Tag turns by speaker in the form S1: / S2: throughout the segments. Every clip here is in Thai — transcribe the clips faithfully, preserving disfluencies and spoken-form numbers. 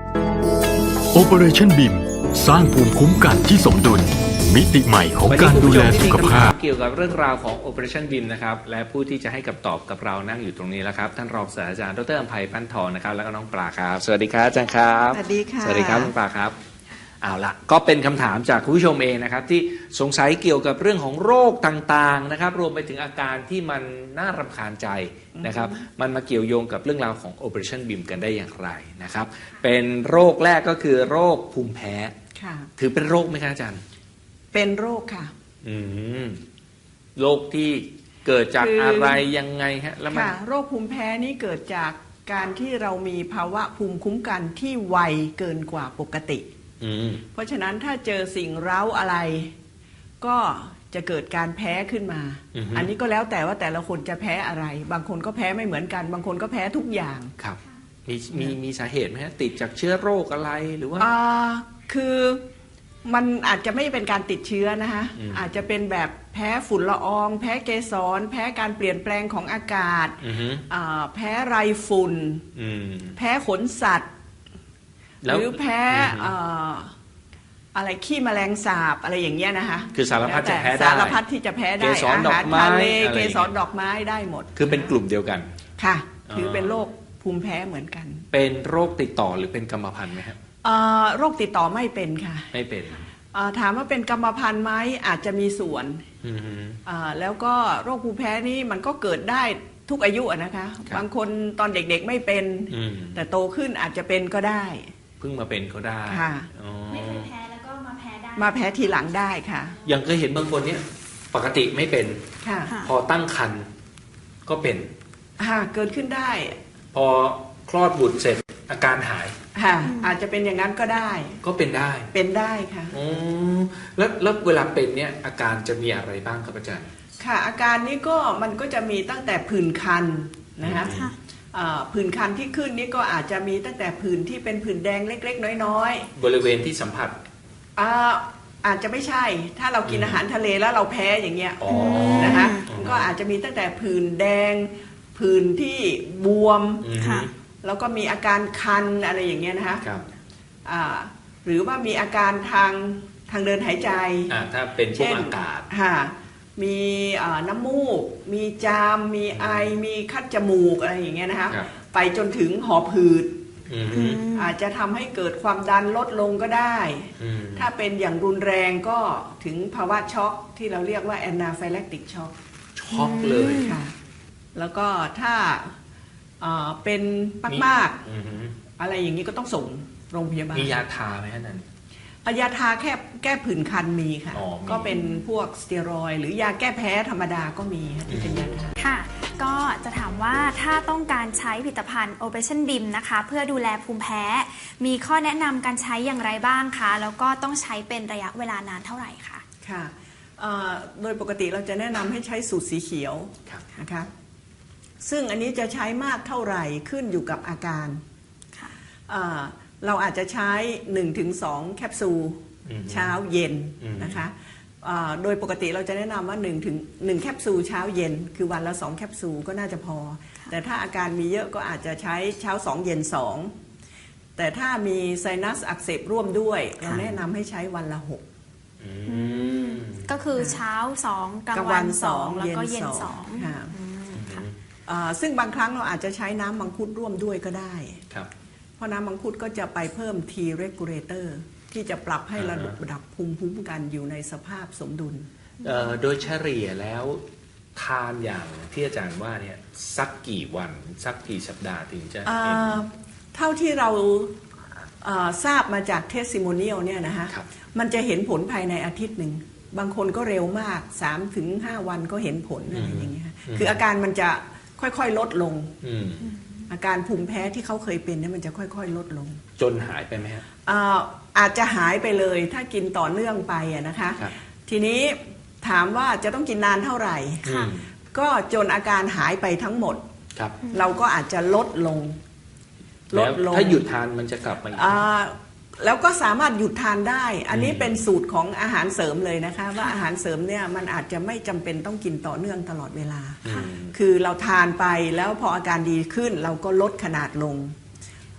S1: Operation บี ไอ เอ็ม สร้างภูมิคุ้มกันที่สมดุลมิติใหม่ของการดูแลสุขภาพ
S2: เกี่ยวกับเรื่องราวของ Operation บี ไอ เอ็ม นะครับและผู้ที่จะให้คำตอบกับเรานั่งอยู่ตรงนี้แล้วครับท่านรองศาสตราจารย์ดร.อำไพปั้นทองนะครับแล้วก็น้องปลาครับสวัสดีครับอาจารย์ครับ
S3: สวัสดีค่ะ
S2: สวัสดีครับน้องปลาครับเอาละก็เป็นคำถามจากคุณผู้ชมเองนะครับที่สงสัยเกี่ยวกับเรื่องของโรคต่างๆนะครับรวมไปถึงอาการที่มันน่ารำคาญใจนะครับมันมาเกี่ยวโยงกับเรื่องราวของ Operation บี ไอ เอ็ม กันได้อย่างไรนะครับเป็นโรคแรกก็คือโรคภูมิแพ้ถือเป็นโรคไหมครับอาจารย์
S3: เป็นโรคค่ะ
S2: อืมโรคที่เกิดจากอะไรยังไงฮะแล้วมัน
S3: โรคภูมิแพ้นี่เกิดจากการที่เรามีภาวะภูมิคุ้มกันที่ไวเกินกว่าปกติเพราะฉะนั้นถ้าเจอสิ่งเร้าอะไรก็จะเกิดการแพ้ขึ้นมา อ, อันนี้ก็แล้วแต่ว่าแต่ละคนจะแพ้อะไรบางคนก็แพ้ไม่เหมือนกันบางคนก็แพ้ทุกอย่าง
S2: ครับมีมีมีสาเหตุไหมฮะติดจากเชื้อโรคอะไรหรือว่า
S3: อ่าคือมันอาจจะไม่เป็นการติดเชื้อนะคะอาจจะเป็นแบบแพ้ฝุ่นละอองแพ้เกสรแพ้การเปลี่ยนแปลงของอากาศแพ้ไรฝุ่นแพ้ขนสัตว์หรือแพ้อะไรขี้แมลงสาบอะไรอย่างเงี้ยนะคะ
S2: คือสารพัดจะแพ้ได้
S3: สารพัดที่จะแพ้ได้อาหารทะเลเกสรดอกไม้ได้หมด
S2: คือเป็นกลุ่มเดียวกัน
S3: ค่ะถือเป็นโรคภูมิแพ้เหมือนกัน
S2: เป็นโรคติดต่อหรือเป็นกรรมพันธุ์ไหมครับ
S3: โรคติดต่อไม่เป็นค่ะ
S2: ไม่เป็น
S3: ถามว่าเป็นกรรมพันธุ์ไหมอาจจะมีส่วนแล้วก็โรคภูมิแพ้นี้มันก็เกิดได้ทุกอายุนะคะบางคนตอนเด็กๆไม่เป็นแต่โตขึ้นอาจจะเป็นก็ได้
S2: เพิ่งมาเป็นก็ได้
S4: ไม่เคยแพ้แล้วก็มาแพ้ได้
S3: มาแพ้ทีหลังได้ค่ะ
S2: ยังเคยเห็นบางคนเนี้ยปกติไม่เป็นพอตั้งครรภ์ก็เป็น
S3: เกิดขึ้นได้
S2: พอคลอดบุตรเสร็จอาการหาย
S3: ค่ะอาจจะเป็นอย่างนั้นก็ได้
S2: ก็เป็นได้
S3: เป็นได้ค่ะ
S2: อืมแล้วแล้วเวลาเป็นเนี่ยอาการจะมีอะไรบ้างครับอาจารย์
S3: ค่ะอาการนี้ก็มันก็จะมีตั้งแต่ผื่นคันนะคะผื่นคันที่ขึ้นนี่ก็อาจจะมีตั้งแต่ผื่นที่เป็นผื่นแดงเล็กๆน้อย
S2: ๆบริเวณที่สัมผัส
S3: อาจจะไม่ใช่ถ้าเรากินอาหารทะเลแล้วเราแพ้อย่างเงี้ยนะคะก็อาจจะมีตั้งแต่ผื่นแดงผื่นที่บวมแล้วก็มีอาการคันอะไรอย่างเงี้ยนะคะหรือว่ามีอาการทางทางเดินหายใจ
S2: ถ้าเป็นพวกอากาศ
S3: มีน้ำมูกมีจามมีไอมีคัดจมูกอะไรอย่างเงี้ยนะคะไปจนถึงหอบหืดอาจจะทำให้เกิดความดันลดลงก็ได้ถ้าเป็นอย่างรุนแรงก็ถึงภาวะช็อกที่เราเรียกว่าแอนนาไฟแลคติกช็อก
S2: ช็อกเลย
S3: ค่ะแล้วก็ถ้าเป็นมากๆอะไรอย่างนี้ก็ต้องส่งโรงพยาบาล
S2: มียาทาไหมท่านนั้น
S3: ยาทาแค่แก้ผื่นคันมีค่ะก็เป็นพวกสเตียรอยด์หรือยาแก้แพ้ธรรมดาก็มีที่เป็นยาทา
S4: ค่ะก็จะถามว่าถ้าต้องการใช้ผลิตภัณฑ์ Operation บี ไอ เอ็ม นะคะเพื่อดูแลภูมิแพ้มีข้อแนะนำการใช้อย่างไรบ้างคะแล้วก็ต้องใช้เป็นระยะเวลานานเท่าไหร่คะ
S3: ค่ะโดยปกติเราจะแนะนำให้ใช้สูตรสีเขียวนะคะซึ่งอันนี้จะใช้มากเท่าไหร่ขึ้นอยู่กับอาการเราอาจจะใช้ หนึ่งถึงสอง แคปซูลเช้าเย็นนะคะโดยปกติเราจะแนะนำว่า1ถึง1แคปซูลเช้าเย็นคือวันละสองแคปซูลก็น่าจะพอแต่ถ้าอาการมีเยอะก็อาจจะใช้เช้าสองเย็นสองแต่ถ้ามีไซนัสอักเสบร่วมด้วยเราแนะนำให้ใช้วันละหก
S4: ก็คือเช้าสองกลางวันสองแล้วก็เย็นสอง
S3: ซึ่งบางครั้งเราอาจจะใช้น้ำมังคุดร่วมด้วยก็ได้เพราะน้ำมังคุดก็จะไปเพิ่ม T regulator ที่จะปรับให้ระดับภูมิคุ้มกันอยู่ในสภาพสมดุล
S2: โดยเฉลี่ยแล้วทานอย่างที่อาจารย์ว่าเนี่ยสักกี่วันสักกี่สัปดาห์ถึงจะเห็น
S3: เท่าที่เราทราบมาจากเทสซิโมเนียลเนี่ยนะคะมันจะเห็นผลภายในอาทิตย์หนึ่งบางคนก็เร็วมาก สามถึงห้า วันก็เห็นผลอะไรอย่างเงี้ยคืออาการมันจะค่อยๆลดลงอาการภูมิแพ้ที่เขาเคยเป็นเนี่ยมันจะค่อยๆลดลง
S2: จนหายไปไหมครับ
S3: อาจจะหายไปเลยถ้ากินต่อเนื่องไปนะคะทีนี้ถามว่าจะต้องกินนานเท่าไหร่ก็จนอาการหายไปทั้งหมดเราก็อาจจะลดลง
S2: ลดลงถ้าหยุดทานมันจะกลับมาอีก
S3: แล้วก็สามารถหยุดทานได้อันนี้เป็นสูตรของอาหารเสริมเลยนะคะว่าอาหารเสริมเนี่ยมันอาจจะไม่จำเป็นต้องกินต่อเนื่องตลอดเวลาคือเราทานไปแล้วพออาการดีขึ้นเราก็ลดขนาดลง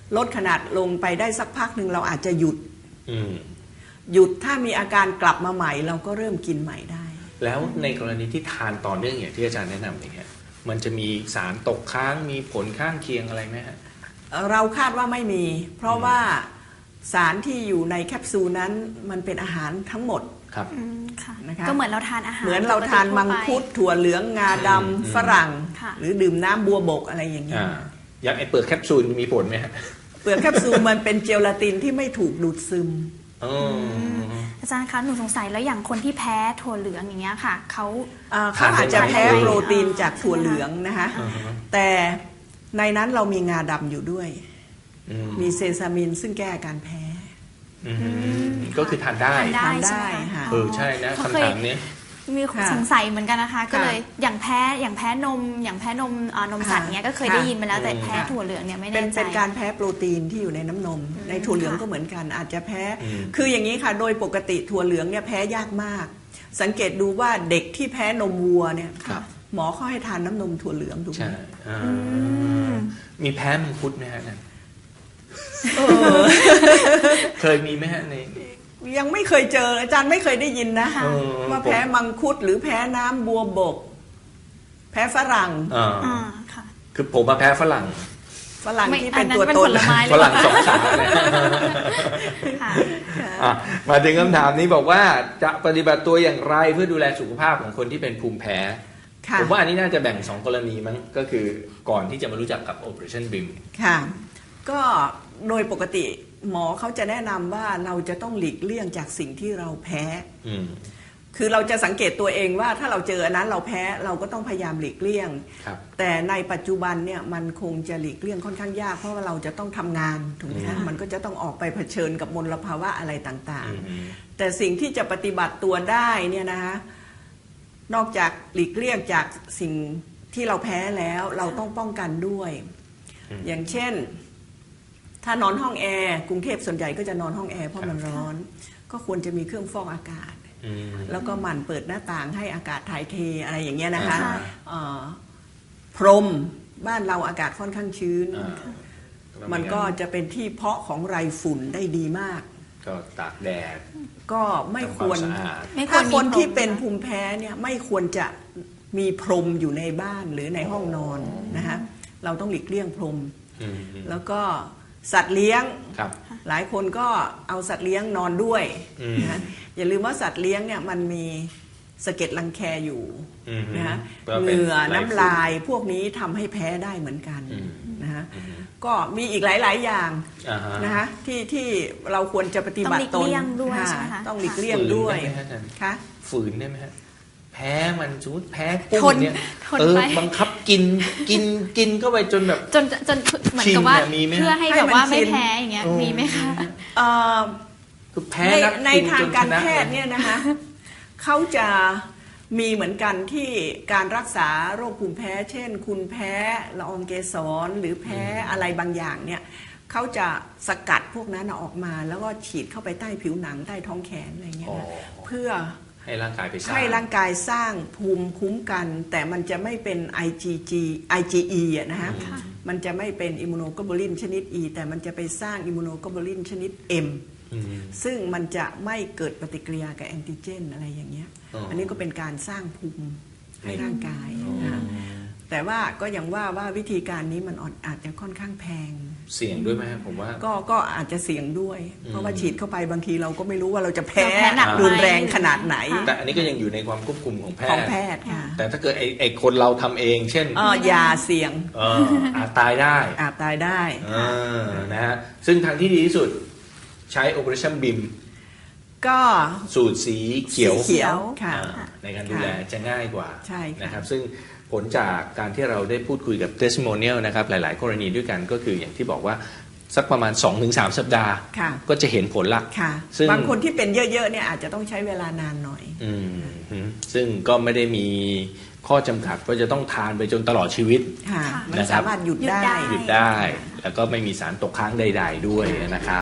S3: ลดขนาดลงไปได้สักพักหนึ่งเราอาจจะหยุด
S2: อืม
S3: หยุดถ้ามีอาการกลับมาใหม่เราก็เริ่มกินใหม่ได้
S2: แล้วในกรณีที่ทานต่อเนื่องอย่างที่อาจารย์แนะนำอย่างเงี้ยมันจะมีสารตกค้างมีผลข้างเคียงอะไรไหมฮะ
S3: เราคาดว่าไม่มี เพราะว่าสารที่อยู่ในแคปซูลนั้นมันเป็นอาหารทั้งหมด
S2: ครับ
S4: อืมค่ะ
S3: นะคะ
S4: ก็เหมือนเราทานอาหาร
S3: เหมือนเราทานมังคุดถั่วเหลืองงาดำฝรั่ง
S4: ค่ะ
S3: หรือดื่มน้ำบัวบกอะไรอย่างนี้
S2: อ่าอย่างไอเปลือกแคปซูลมีผลไหมฮะ
S3: เปลือกแคปซูลมันเป็นเจลาตินที่ไม่ถูกดูดซึม
S2: อ๋อ
S4: อาจารย์คะหนูสงสัยแล้วอย่างคนที่แพ้ถั่วเหลืองอย่างเงี้ยค่ะเขา
S3: อ่าเขาอาจจะแพ้โปรตีนจากถั่วเหลืองนะคะ
S2: อ่าฮะ
S3: แต่ในนั้นเรามีงาดำอยู่ด้วย
S2: อืม
S3: มีเซซามินซึ่งแก้อาการแพ้
S2: อืมก็คือทานได้
S4: ทานได้
S3: ทานได้
S4: ใช่ไหม
S3: ค่ะ
S2: เออใช่นะ
S4: เขา
S2: คำ
S4: เคย
S2: ถามนี้
S4: มี
S3: ค่ะ
S4: สงสัยเหมือนกันนะคะ ก็
S3: ค่ะ
S4: เลยอย่างแพ้อย่างแพ้นม อย่างแพ้นมอ่านมสัตว์เนี้ยก็เคย
S3: ค่ะ
S4: ได้ยินมาแล้วแต่
S2: อืม
S4: แพ้ถั่วเหลืองเนี่ยไม่
S3: เป็
S4: แน่
S3: น
S4: ใจ
S3: เป็นการแพ้โปรตีนที่อยู่ในน้ำนม ในถั่วเหลือง
S4: ค่ะ
S3: ก็เหมือนกัน อาจจะแพ้
S2: อืม
S3: คืออย่างนี้ค่ะ โดยปกติถั่วเหลืองเนี่ยแพ้ยากมาก สังเกตดูว่าเด็กที่แพ้นมวัวเนี่ย
S2: ครับ
S3: หมอเขาให้ทานน้ำนมถั่วเหลืองถูกไหม
S2: ใช่อ่ามีแพ้มังคุดไหมฮะนั่น
S3: เออ
S2: เคยมีไหมฮะใน
S3: ยังไม่เคยเจออาจารย์ไม่เคยได้ยินนะ
S4: ค่ะ
S2: เออ
S3: ว่าแพ้มังคุดหรือแพ้น้ำบัวบก แพ้ฝรั่ง
S2: อ่า
S4: อ่าค่ะ
S2: คือผมมาแพ้ฝรั่ง
S3: ฝรั่ง
S4: ไม่
S3: ที่เป็น
S4: อันนั้น
S3: ตัว
S4: เป็น
S3: ต
S4: ผ
S3: น
S4: ลไม้
S2: ฝรั่งสองขาเนี่ย
S4: ค่ะ
S2: อ่ะมาถึงคำถามนี้บอกว่าจะปฏิบัติตัวอย่างไรเพื่อดูแลสุขภาพของคนที่เป็นภูมิแพ้
S3: ค่ะ
S2: ผมว่าอันนี้น่าจะแบ่งสองกรณีมั้งก็คือก่อนที่จะมารู้จักกับ Operationบี เอ เอ็ม
S3: ค่ะ ก็โดยปกติหมอเขาจะแนะนำว่าเราจะต้องหลีกเลี่ยงจากสิ่งที่เราแพ้
S2: อืม
S3: คือเราจะสังเกตตัวเองว่าถ้าเราเจออันนั้นเราแพ้เราก็ต้องพยายามหลีกเลี่ยง
S2: ครับ
S3: แต่ในปัจจุบันเนี่ยมันคงจะหลีกเลี่ยงค่อนข้างยากเพราะว่าเราจะต้องทำงานถูกไหมคะ
S2: อืม
S3: มันก็จะต้องออกไปเผชิญกับมลภาวะอะไรต่าง
S2: อืม
S3: ๆ แต่สิ่งที่จะปฏิบัติตัวได้เนี่ยนะคะนอกจากหลีกเลี่ยงจากสิ่งที่เราแพ้แล้วเราต้องป้องกันด้วย
S2: อืม
S3: อย่างเช่น ถ้านอนห้องแอร์กรุงเทพส่วนใหญ่ก็จะนอนห้องแอร์เพราะมันร้อน ก็ควรจะมีเครื่องฟอกอากาศ
S2: อืม
S3: แล้วก็หมั่นเปิดหน้าต่างให้อากาศถ่ายเทอะไรอย่างเงี้ยนะคะ
S2: อ่า
S3: เอ่อพรมบ้านเราอากาศค่อนข้างชื้น
S2: อ่า
S3: มันก็จะเป็นที่เพาะของไรฝุ่นได้ดีมาก
S2: ก็ตากแดด
S3: ก็ไม่ควร
S2: ทำความสะอาด
S4: ไม่ควร
S3: ถ้าคน
S4: มีพรม
S3: ที่เป็น
S4: นะ
S3: ภูมิแพ้เนี่ยไม่ควรจะมีพรมอยู่ในบ้านหรือในห้องนอนนะคะเราต้องหลีกเลี่ยงพรม
S2: อืม
S3: แล้วก็สัตว์เลี้ยง
S2: ครับ
S3: หลายคนก็เอาสัตว์เลี้ยงนอนด้วย
S2: อืม
S3: นะอย่าลืมว่าสัตว์เลี้ยงเนี่ยมันมีสะเก็ดรังแคอยู่
S2: อืม
S3: นะฮะ
S2: ก็เป็น
S3: เหงื่อ
S2: ลาย
S3: น้ำลายพวกนี้ทำให้แพ้ได้เหมือนกัน
S2: อืม
S3: นะฮะก็มีอีกหลาย ๆ อย่าง
S2: อ่าฮะ
S3: นะคะที่ที่เราควรจะปฏิบัติต
S4: ต้อง
S3: น
S4: หลีกเลี่ยงด้วย
S3: ค่ะ
S4: ใช่ไหมคะ
S3: ต้องหลีกเลี่ยงด้วย
S2: ฝืนได้ไหมฮะอาจารย์
S3: ค่ะ
S2: ฝืนได้ไหมฮะแพ้มันสมมติแพ้กุ้
S4: ท
S2: ง
S4: น
S2: เนี่ย
S4: ทน
S2: เออ
S4: ไป
S2: บังคับกินกินกินเข้าไปจนแบบ
S4: จนจนเหมือนกับว่า
S2: ชินเนี่ยมีไหม
S4: เพื่อให้
S3: ให้
S4: แบบ
S3: มัน
S4: ว่าไม่
S3: ชิน
S4: แพ้อย่างเงี้ย
S2: อืม
S4: มีไหมคะ
S3: เอ่อ
S2: คือแพ้
S3: ใน
S2: นัก
S3: ใน
S2: กิน
S3: ทาง
S2: จน
S3: การ
S2: ชนะ
S3: แพทย์เนี่ยนะคะเขาจะมีเหมือนกันที่การรักษาโรคภูมิแพ้ เช่น คุณแพ้ละอองเกสรหรือแพ้อะไรบางอย่างเนี่ยเขาจะสกัดพวกนั้นออกมา แล้วก็ฉีดเข้าไปใต้ผิวหนังใต้ท้องแขนอะไรเงี้ย
S2: อ๋อ
S3: นะเพื่อ
S2: ให้ร่างกายไปสร้าง
S3: ให้ร่างกายสร้างภูมิคุ้มกัน แต่มันจะไม่เป็น ไอ จี จี ไอ จี อี อะนะฮะ
S4: ค่ะ
S3: มันจะไม่เป็นอิมมูโนโกลบูลินชนิด E แต่มันจะไปสร้างอิมมูโนโกลบูลินชนิด M
S2: อืม
S3: ซึ่งมันจะไม่เกิดปฏิกิริยากับแอนติเจนอะไรอย่างเงี้ย
S2: อ๋ออั
S3: อันนี้ก็เป็นการสร้างภูมิให้ร่างกาย
S2: อ๋อ
S3: นะแต่ว่าก็ยังว่าว่าวิธีการนี้มันอาจจะค่อนข้างแพง
S2: เสี่ยงด้วยไหมฮะผมว่า
S3: ก็ก็อาจจะเสี่ยงด้วย เพราะว่าฉีดเข้าไปบางทีเราก็ไม่รู้ว่าเราจะแพ้
S4: เราแพ้หนักไหม
S3: รุนแรงขนาดไหน
S2: แต่อันนี้ก็ยังอยู่ในความควบคุมของแพ
S3: ของ
S2: ทย์
S3: แพทย์ค่ะ
S2: แต่ถ้าเกิดไอ้ไอ้คนเราทำเอง เช่น
S3: เอออย่าเสี่ยง
S2: เอออาจตายได้
S3: อาจตายได้
S2: เออนะฮะซึ่งทางที่ดีที่สุดใช้ Operation บี เอ็ม
S3: ก็
S2: สูตรสีเขียว
S3: สีเขียวค่ะ
S2: อ่าในการดูแลจะง่ายกว่า
S3: ใช่ค่ะ
S2: นะครับซึ่งผลจากการที่เราได้พูดคุยกับ testimonial นะครับหลาย ๆ กรณีด้วยกันก็คืออย่างที่บอกว่าสักประมาณ สองถึงสาม สัปดาห์
S3: ค่ะ
S2: ก็จะเห็นผลละ
S3: ค่ะ
S2: ซึ่ง
S3: บางคนที่เป็นเยอะๆเนี่ยอาจจะต้องใช้เวลานานหน่อย
S2: อืมซึ่งก็ไม่ได้มีข้อจำกัดว่าจะต้องทานไปจนตลอดชีวิต
S3: ค่ะ
S4: ค่ะ
S3: มัน
S2: นะครับ
S3: สามารถหยุด
S4: หยุด
S3: ได้
S4: ได้
S2: หยุดได้ แล้วก็ไม่มีสารตกค้างใด ๆ ด้วยนะครับ